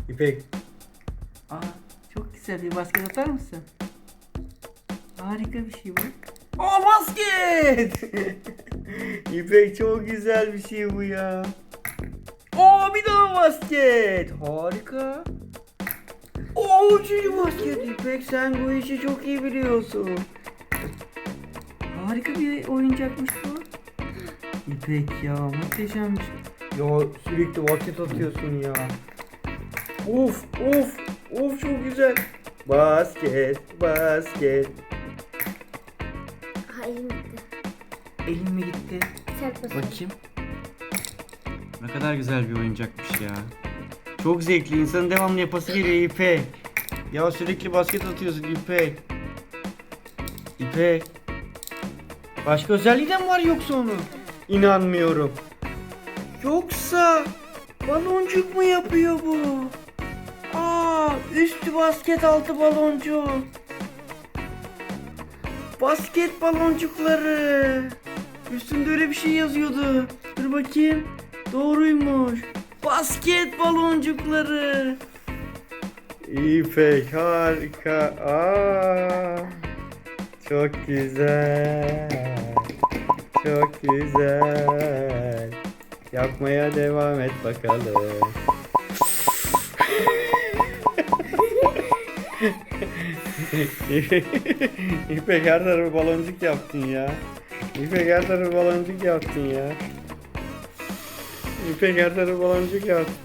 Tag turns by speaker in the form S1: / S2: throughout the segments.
S1: İpek.
S2: Aa, çok güzel bir basket atar mısın? Harika bir şey bu. Aa, basket!
S1: İpek çok güzel bir şey bu ya. Aa, bir daha basket. Harika. Oo, üçüncü basket. İpek, sen bu işi çok iyi biliyorsun.
S2: Harika bir oyuncakmış bu.
S1: İpek ya, muhteşemmiş. Ya sürekli basket atıyorsun ya. Of of of, çok güzel. Basket basket.
S3: Aha elim gitti.
S2: Elim mi gitti?
S3: Sert basıyor.
S2: Bakayım.
S1: Ne kadar güzel bir oyuncakmış ya. Çok zevkli, insanın devamlı yapası geliyor İpek. Ya sürekli basket atıyorsun İpek. İpek. Başka özelliği de mi var yoksa onun? İnanmıyorum. Yoksa baloncuk mu yapıyor bu? Aa, üstü basket, altı baloncuk. Basket baloncukları. Üstünde öyle bir şey yazıyordu. Dur bakayım. Doğruymuş. Basket baloncukları. İpek harika. Aa, çok güzel. Çok güzel. Yapmaya devam et bakalım. İpek, her tarafı baloncuk yaptın ya. İpek, her tarafı baloncuk yaptın ya. İpek, her tarafı baloncuk yaptın.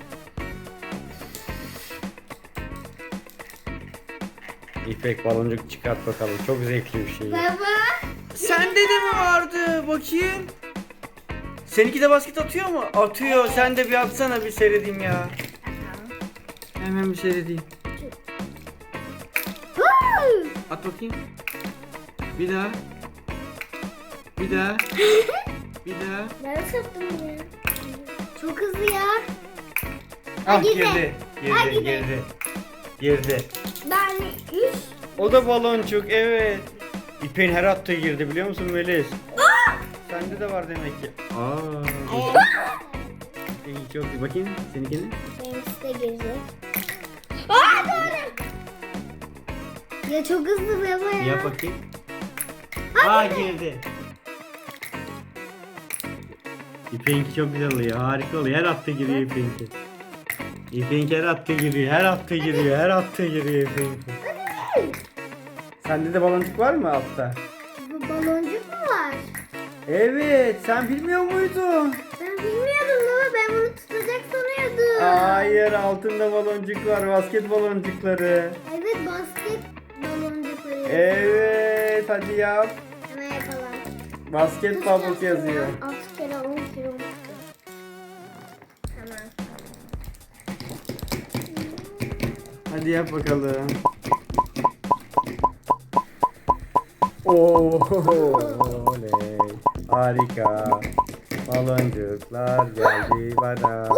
S1: İpek, baloncuk çıkart bakalım. Çok zevkli bir şey.
S3: Baba.
S2: Sende de mi vardı? Bakayım. Seninki de basket atıyor mu? Atıyor. Sen de bir atsana, bir seyredeyim ya. Hemen bir seyredeyim. At bakayım. Bir daha. Bir daha. Bir daha.
S3: Ben sattım ya. Çok hızlı ya.
S1: Ah,
S3: girdi.
S1: girdi.
S3: Ha,
S1: Girdi,
S3: girdi.
S1: girdi. Girdi.
S3: Ben 3.
S1: O da baloncuk, evet. İpek'in her attığı girdi, biliyor musun Melis? Sende de var demek ki. İyi, çok iyi. Bakayım seninkini.
S3: Benimkisi de girecek. Aa, doğru. Ya çok hızlı baba ya.
S1: Yap bakayım. Aa, girdi. İpek'inki çok güzel oluyor. Harika oluyor. Her attığı giriyor İpek'inki. İpek'inki her attığı giriyor. Her attığı giriyor. Her attığı giriyor İpek'inki. Sende de baloncuk var mı altta?
S3: Bu baloncuk mu var?
S1: Evet. Sen bilmiyor muydun?
S3: Ben bilmiyordum baba. Ben bunu tutacak sanıyordum.
S1: Hayır, altında baloncuk var. Basket baloncukları.
S3: Evet, basket baloncukları.
S1: Evet. Hadi yap.
S3: Hemen yapalım.
S1: Basket bubbles yazıyor.
S3: 6 kere 10 kere 10 kere. Hemen.
S1: Hadi yap bakalım. Oley. Harika. Baloncuklar geldi bana.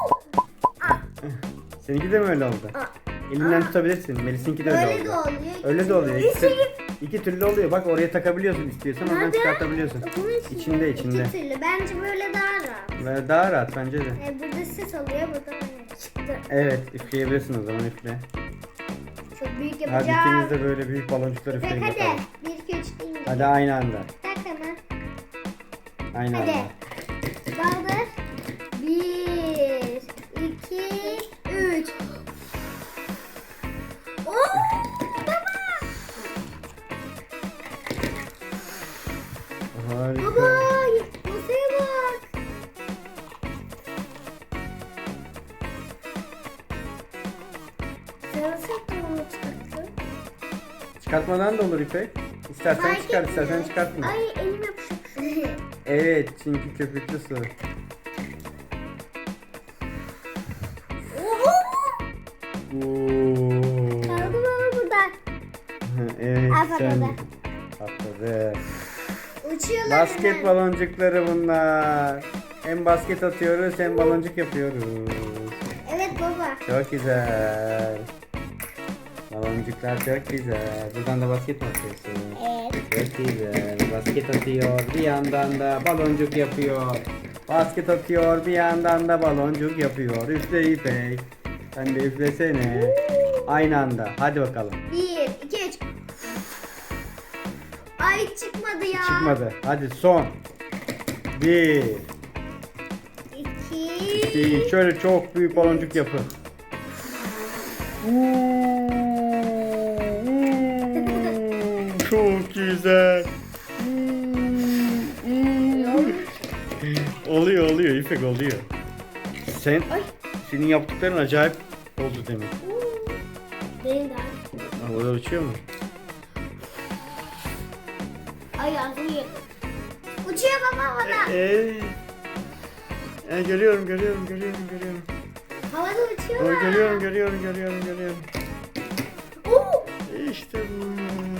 S1: Seninki de mi öyle oldu? Elinden tutabilirsin. Melis'inki de öyle
S3: Öyle
S1: oldu.
S3: de oluyor.
S1: Öyle de oluyor.
S3: İçeri-
S1: İki türlü oluyor. Bak, oraya takabiliyorsun istiyorsan. Oradan
S3: Nerede?
S1: çıkartabiliyorsun.
S3: Bunun
S1: İçinde, içinde.
S3: İki türlü. Bence böyle daha rahat.
S1: Ve daha rahat bence de.
S3: Burada ses oluyor. Burada böyle çıktı.
S1: Evet, üfleyebilirsin o zaman, üfle.
S3: Çok büyük
S1: Hadi
S3: yapacağım.
S1: ikiniz de böyle büyük baloncuklar
S3: Hadi
S1: üfleyin
S3: hadi.
S1: bakalım.
S3: 1 2 3 deyince.
S1: Hadi aynı anda.
S3: Tak hemen.
S1: Aynı
S3: Hadi.
S1: anda.
S3: Kaldır. 1 2 3.
S1: Harika.
S3: Baba, masaya bak. Sen nasıl yaptın onu çıkarttın?
S1: Çıkartmadan da olur İpek. İstersen
S3: Fark
S1: çıkar, istersen
S3: etmiyor.
S1: çıkartma.
S3: Ay elim yapışık.
S1: Evet, çünkü köpüklü su. Oo.
S3: Kaldı baba burada.
S1: Evet,
S3: Al
S1: sen
S3: patladı.
S1: patladı.
S3: Uçuyorlar
S1: Basket
S3: hemen.
S1: baloncukları bunlar. Hem basket atıyoruz hem baloncuk yapıyoruz.
S3: Evet baba.
S1: Çok güzel. Baloncuklar çok güzel. Buradan da basket mi atıyorsun?
S3: Evet.
S1: Çok güzel. Basket atıyor. Bir yandan da baloncuk yapıyor. Basket atıyor. Bir yandan da baloncuk yapıyor. Üfle İpek. Sen de üflesene. Aynı anda. Hadi bakalım.
S3: 1, 2, 3. Ay çıkmadı ya.
S1: Çıkmadı. Hadi son. 1,
S3: 2.
S1: 2. Şöyle çok büyük baloncuk yapın. Çok güzel. Oluyor İpek oluyor.
S3: Ay.
S1: Senin yaptıkların acayip oldu demek.
S3: Benim de.
S1: Orada uçuyor mu?
S3: Ay ağzım yedim. Uçuyor baba havada.
S1: Görüyorum.
S3: Havada uçuyor.
S1: Görüyorum.
S3: Oo.
S1: İşte bu.